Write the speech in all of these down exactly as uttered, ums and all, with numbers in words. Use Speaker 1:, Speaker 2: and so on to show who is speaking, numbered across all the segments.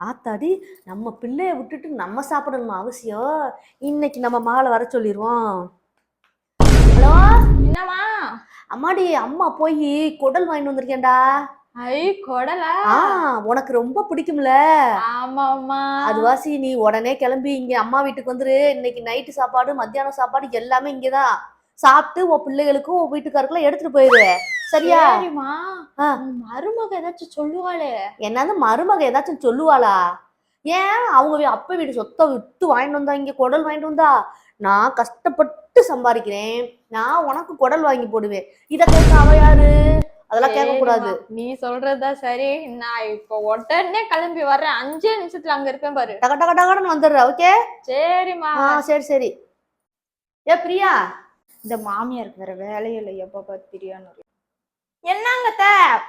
Speaker 1: ஆத்தாடி நம்ம பிள்ளைய விட்டுட்டு நம்ம சாப்பிடணுமா அவசியம்? இன்னைக்கு நம்ம மகளை வர சொல்லிடுவோம். ஹலோ,
Speaker 2: என்னம்மா?
Speaker 1: அம்மாடி அம்மா போய் குடல் வாங்கிட்டு வந்திருக்கேன்டா.
Speaker 2: ஐ குடலா?
Speaker 1: ஆ உனக்கு ரொம்ப பிடிக்கும்ல?
Speaker 2: ஆமாம்மா.
Speaker 1: அது வாசி நீ உடனே கிளம்பி இங்க அம்மா வீட்டுக்கு வந்துரு. இன்னைக்கு நைட்டு சாப்பாடு மத்தியானம் சாப்பாடு எல்லாமே இங்கதான் சாப்பிட்டு உன் பிள்ளைகளுக்கும் உன் வீட்டுக்காருக்குலாம் எடுத்துட்டு போயிரு. சரியா?
Speaker 2: சரிம்மா. மருமக ஏதாச்சும் சொல்லுவாளே?
Speaker 1: என்னது மருமக ஏதாச்சும் சொல்லுவாளா? ஏன் அவங்க அப்பா வீடு சொத்தை விட்டு வாங்கிட்டு வந்தா இங்க குடல் வாங்கிட்டு வந்தா? நான் கஷ்டப்பட்டு சம்பாதிக்கிறேன், நான் உனக்கு குடல் வாங்கி போடுவேன். இத கேட்க அவ யாரு? அதெல்லாம் கேட்க கூடாது.
Speaker 2: நீ சொல்றதா சரி. நான் இப்ப உடனே கிளம்பி வர்றேன். அஞ்சே நிமிஷத்துல அங்க இருப்பேன் பாரு.
Speaker 1: டக டக டகன்னு வந்துடுற. ஓகே
Speaker 2: சரிம்மா.
Speaker 1: சரி சரி. ஏ பிரியா,
Speaker 2: இந்த மாமியாருக்கு வேற வேலையில எப்ப பார்த்திரியான்னு. என்னங்கத்த?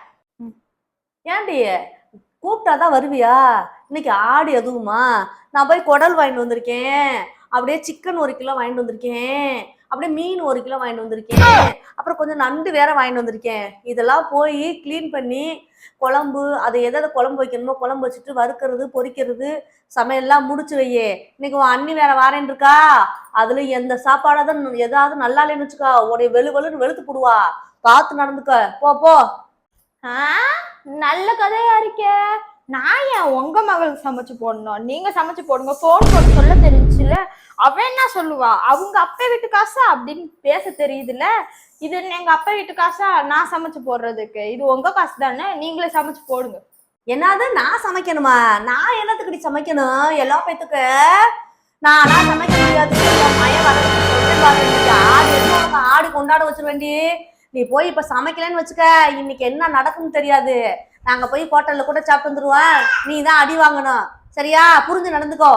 Speaker 1: ஏன்டி கூப்பிட்டாதான் வருவியா? இன்னைக்கு ஆடு எதுவுமா? நான் போய் குடல் வாங்கிட்டு வந்திருக்கேன், அப்படியே சிக்கன் ஒரு கிலோ வாங்கிட்டு வந்திருக்கேன், அப்படியே மீன் ஒரு கிலோ வாங்கிட்டு வந்திருக்கேன், அப்புறம் கொஞ்சம் நண்டு வேற வாங்கிட்டு வந்திருக்கேன். இதெல்லாம் போய் கிளீன் பண்ணி குழம்பு அதை எதாவது குழம்பு வைக்கணுமோ குழம்பு வச்சுட்டு வறுக்கிறது பொரிக்கிறது சமையல்லாம் முடிச்சு வையே. இன்னைக்கு உன் அண்ணி வேற வாரேன் இருக்கா. அதுல எந்த சாப்பாடாதான் ஏதாவது நல்லா இல்லைன்னு வச்சுக்கா உடைய வெளு வெளுன்னு வெளுத்து போடுவா. பார்த்து நடந்துக்க. போ போ.
Speaker 2: ஆஹ் நல்ல கதையா இருக்கே. நான் ஏன் உங்க மகளுக்கு சமைச்சு போடணும்? நீங்க சமைச்சு போடுங்க. போன் போட்டு சொல்ல தெரிஞ்சுல. அவன் என்ன சொல்லுவா? அவங்க அப்பா வீட்டு காசா அப்படின்னு பேச தெரியுதுல்ல. இது எங்க அப்பா வீட்டு காசா நான் சமைச்சு போடுறதுக்கு? இது உங்க காசு தானே, நீங்களே சமைச்சு போடுங்க.
Speaker 1: என்னது நான் சமைக்கணுமா? நான் என்னத்துக்கடி சமைக்கணும்? எல்லா பேத்துக்கு நானா சமைக்க முடியாது. மயம் வர ஆடு எதுவும் ஆடு கொண்டாட வச்சிருவேண்டி. நீ போய் இப்ப சமைக்கலன்னு வச்சுக்க, இன்னைக்கு என்ன நடக்கும்னு தெரியாது. நாங்க போய் ஹோட்டல்ல கூட சாப்பிட்டு வந்துருவோம். நீ தான் அடி வாங்கணும். சரியா? புரிஞ்சு நடந்துக்கோ.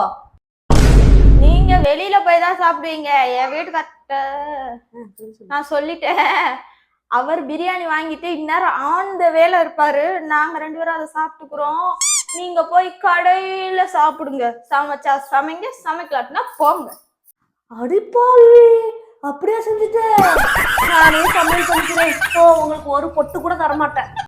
Speaker 2: நீங்க வெளியில போய் தான் சாப்பிடுவீங்க. என் வீட்டுக்கார்ட்ட நான் சொல்லிட்டேன். அவர் பிரியாணி வாங்கிட்டு இந்நேரம் ஆன் த வேலை இருப்பாரு. நாங்க ரெண்டு பேரும் அதை சாப்பிட்டுக்கிறோம். நீங்க போய் கடையில சாப்பிடுங்க. சமைச்சா சமைங்க, சமைக்கலாட்டினா போங்க.
Speaker 1: அடிப்பாவி, அப்படியே செஞ்சுட்டு நானே சமையல் பண்ணிக்கிறேன். உங்களுக்கு ஒரு பொட்டு கூட தரமாட்டேன்.